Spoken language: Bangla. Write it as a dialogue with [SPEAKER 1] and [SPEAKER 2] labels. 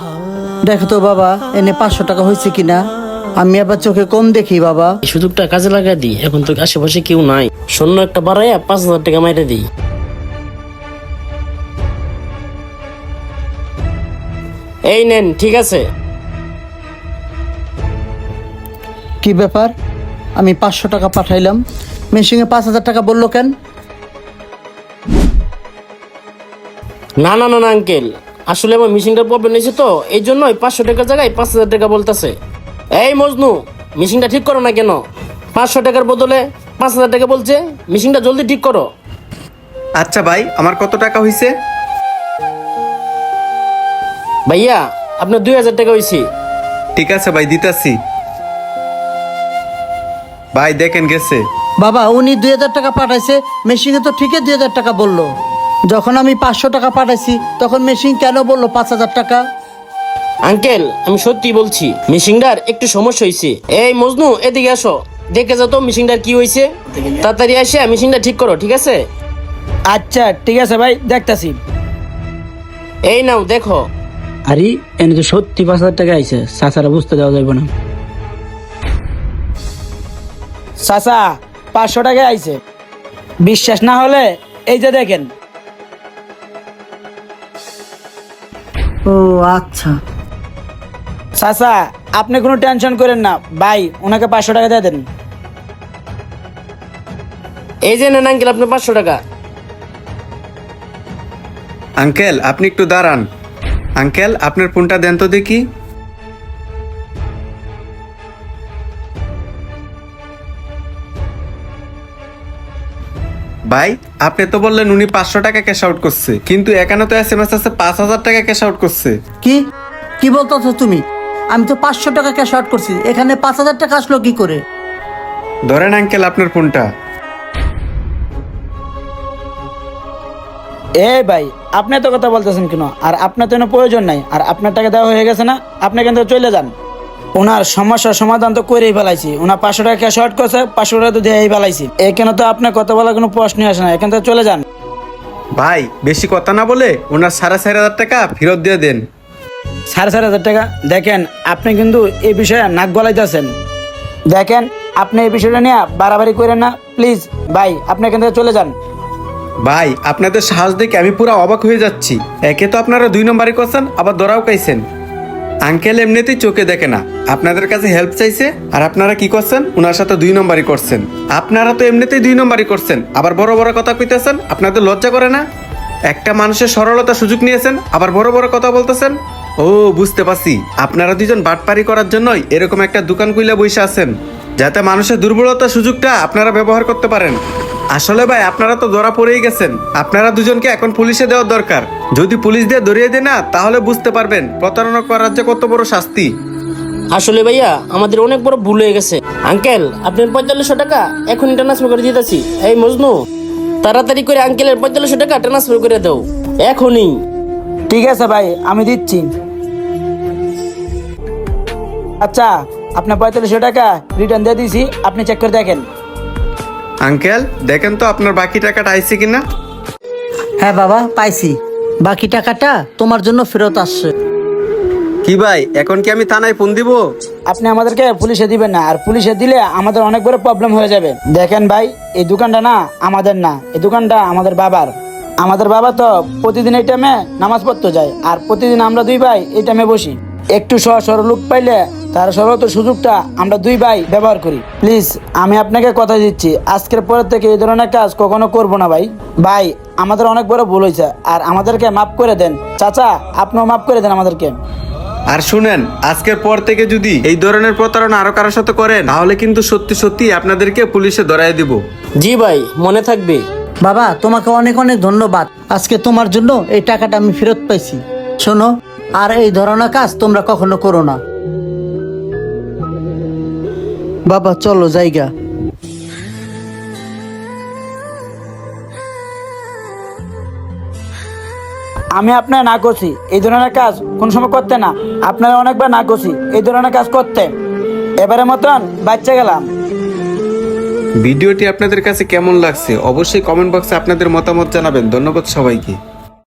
[SPEAKER 1] দেখো তো বাবা, এনে 500 টাকা হয়েছে কিনা। আমি আবার চোখে কম দেখি বাবা।
[SPEAKER 2] এই সুযোগটা কাজে লাগা দিই, এখন তো আশেপাশে কেউ নাই। শূন্য একটা বাড়াইয়া 5,000 টাকা মাইরে দিই। এই নেন, ঠিক আছে।
[SPEAKER 1] কি ব্যাপার, আমি 500 টাকা পাঠাইলাম, মেশিনে 5,000 টাকা বললো কেন?
[SPEAKER 2] না না না না আঙ্কেল, আসলে আমার মিশিংটার প্রবলেম হয়েছে তো, এই জন্যই 500 টাকার জায়গায় 5,000 টাকা বলতেছে। এই মজনু, মিশিংটা ঠিক করো না কেন? 500 টাকার বদলে 5,000 টাকা বলছে, মিশিংটা জলদি ঠিক করো।
[SPEAKER 3] আচ্ছা ভাই, আমার কত টাকা হয়েছে?
[SPEAKER 2] ভাইয়া আপনার 2,000 টাকা হয়েছে।
[SPEAKER 3] ঠিক আছে ভাই, দিতাছি। ভাই দেখেন গেছে।
[SPEAKER 1] বাবা, উনি 2,000 টাকা পাঠাইছে, মেশিনে তো ঠিকই 2,000 টাকা বললো। যখন আমি 500 টাকা পাঠাইছি তখন মেশিন কেন বললো 5,000 টাকা?
[SPEAKER 2] আঙ্কেল আমি সত্যি বলছি, মিশিংটার একটু সমস্যা হয়েছে। এই মজনু, এদিকে আসো, দেখে যাও তো মিশিংটার কি হয়েছে। তাড়াতাড়ি এসে মিশিংটা ঠিক করো, ঠিক আছে?
[SPEAKER 4] আচ্ছা ঠিক আছে ভাই, দেখতাছি।
[SPEAKER 2] এই নাও দেখো।
[SPEAKER 4] আরে এনে তো সত্যি 5,000 টাকা আইছে, চাচারা বুঝতে দেওয়া যাবে না। চাচা 500 টাকা আইছে, বিশ্বাস না হলে এই যে দেখেন।
[SPEAKER 1] ও আচ্ছা।
[SPEAKER 4] চাচা আপনি কোনো টেনশন করেন না ভাই, ওনাকে 500 টাকা দিয়ে দেন।
[SPEAKER 2] এই যে নেন আঙ্কেল আপনার 500 টাকা।
[SPEAKER 3] আঙ্কেল আপনি একটু দাঁড়ান। আঙ্কেল আপনার ফোনটা দেন তো দেখি। ভাই আপনি তো বললেন উনি 500 টাকা ক্যাশ আউট করছে, কিন্তু এখানে তো SMS আছে 5,000 টাকা ক্যাশ আউট করছে।
[SPEAKER 1] কি কি বলতেছো তুমি? আমি তো 500 টাকা ক্যাশ আউট করছি, এখানে 5,000 টাকা আসলো কি করে?
[SPEAKER 3] ধরেন আঙ্কেল আপনার ফোনটা।
[SPEAKER 4] এই ভাই আপনি তো কথা বলতেছেন কেন? আর আপনার তো কোনো প্রয়োজন নাই, আর আপনার টাকা দেওয়া হয়ে গেছে না, আপনি এখান থেকে চলে যান। ওনার সমস্যার সমাধান তো করেই ফেলাইছি। ওনার 500 টাকা ক্যাশ আউট করছে, 500 টাকা তো দিয়েই ফেলাইছি। এখানে তো আপনার কথা বলার কোনো প্রশ্নই আসে না, এখান থেকে চলে যান।
[SPEAKER 3] ভাই বেশি কথা না বলে ওনার 4,500 টাকা ফেরত দিয়ে দেন।
[SPEAKER 4] 4,500 টাকা? দেখেন আপনি কিন্তু এই বিষয়ে নাক গলাইতেছেন। দেখেন আপনি এই বিষয়টা নিয়ে বাড়াবাড়ি করেন না প্লিজ। ভাই আপনি এখান থেকে চলে যান।
[SPEAKER 3] ভাই আপনাদের সাহস দেখে আমি পুরো অবাক হয়ে যাচ্ছি। একে তো আপনারা 2 নম্বরই করছেন, আবার ধরাও খাইছেন। আঙ্কেল এমনিতেই চোখে দেখে না, আপনাদের কাছে হেল্প চাইছে, আর আপনারা কি করছেন? ওনার সাথে 2 নম্বরই করছেন। আপনারা তো এমনিতেই 2 নম্বরই করছেন, আবার বড় বড় কথা কইতেছেন। আপনাদের লজ্জা করে না? একটা মানুষের সরলতা সুযোগ নিয়েছেন, আবার বড় বড় কথা বলতেছেন। ও বুঝতে পারছি, আপনারা দুজন বাটপারি করার জন্যই এরকম একটা দোকান খুলে বসে আছেন, যাতে মানুষের দুর্বলতার সুযোগটা আপনারা ব্যবহার করতে পারেন। আসলে ভাই আপনারা তো ধরা পড়েই গেছেন। আপনারা দুজনকে এখন পুলিশে দেওয়ার দরকার। যদি পুলিশ দিয়ে ধরিয়ে দেয় না, তাহলে বুঝতে পারবেন প্রতারণা করার যে কত বড় শাস্তি।
[SPEAKER 2] আসলে ভাইয়া আমাদের অনেক বড় ভুল হয়ে গেছে। আঙ্কেল আপনার 4500 টাকা এখনই ট্রান্সফার করে দিতেছি। এই মজনু, তাড়াতাড়ি করে আঙ্কেলের 4500 টাকা ট্রান্সফার করে দাও এখনই।
[SPEAKER 4] ঠিক আছে ভাই, আমি দিচ্ছি। আচ্ছা আপনার 4500 টাকা রিটার্ন দিয়ে দিয়েছি, আপনি চেক করে দেখেন।
[SPEAKER 3] আঙ্কেল দেখেন তো আপনার বাকি টাকাটা আইছে কিনা।
[SPEAKER 1] হ্যাঁ বাবা, পাইছি। বাকি টাকাটা তোমার জন্য ফেরত আসছে।
[SPEAKER 3] কি ভাই, এখন কি আমি থানায় ফোন দিব?
[SPEAKER 4] আপনি আমাদেরকে পুলিশে দিবেন না, আর পুলিশে দিলে আমাদের অনেক বড় প্রবলেম হয়ে যাবে। দেখেন ভাই, এই দোকানটা না আমাদের না, এই দোকানটা আমাদের বাবার। আমাদের বাবা তো প্রতিদিন এই টাইমে নামাজ পড়তে যায়, আর প্রতিদিন আমরা 2 ভাই এই টাইমে বসি। একটু সহজ সরল লোক পাইলে তার সরলতার সুযোগটা আমরা 2 ভাই ব্যবহার করি। প্লিজ আমি আপনাকে কথা দিচ্ছি, আজকের পরের থেকে এই ধরনের কাজ কখনো করবো না ভাই। ভাই আমাদের অনেক বড় ভুল হয়েছে, আর আমাদেরকে মাফ করে দেন। চাচা আপনিও মাফ করে দেন আমাদেরকে।
[SPEAKER 3] আর শুনেন, আজকের পর থেকে যদি এই ধরনের প্রতারণা আরো কারোর সাথে করেন, তাহলে কিন্তু সত্যি সত্যি আপনাদেরকে পুলিশে ধরায় দিব।
[SPEAKER 2] জি ভাই, মনে থাকবে।
[SPEAKER 1] বাবা তোমাকে অনেক অনেক ধন্যবাদ, আজকে তোমার জন্য এই টাকাটা আমি ফেরত পাইছি। শোনো, আর এই ধরনের কাজ তোমরা কখনো করো না। বাবা চলো জায়গা।
[SPEAKER 4] আমি আপনার না করছি এই ধরনের কাজ কোন সময় করতে না, আপনারা অনেকবার না করছি এই ধরনের কাজ করতে। এবারে মতন বাচ্চা গেলাম।
[SPEAKER 3] ভিডিওটি আপনাদের কাছে কেমন লাগছে অবশ্যই কমেন্ট বক্সে আপনাদের মতামত জানাবেন। ধন্যবাদ সবাইকে।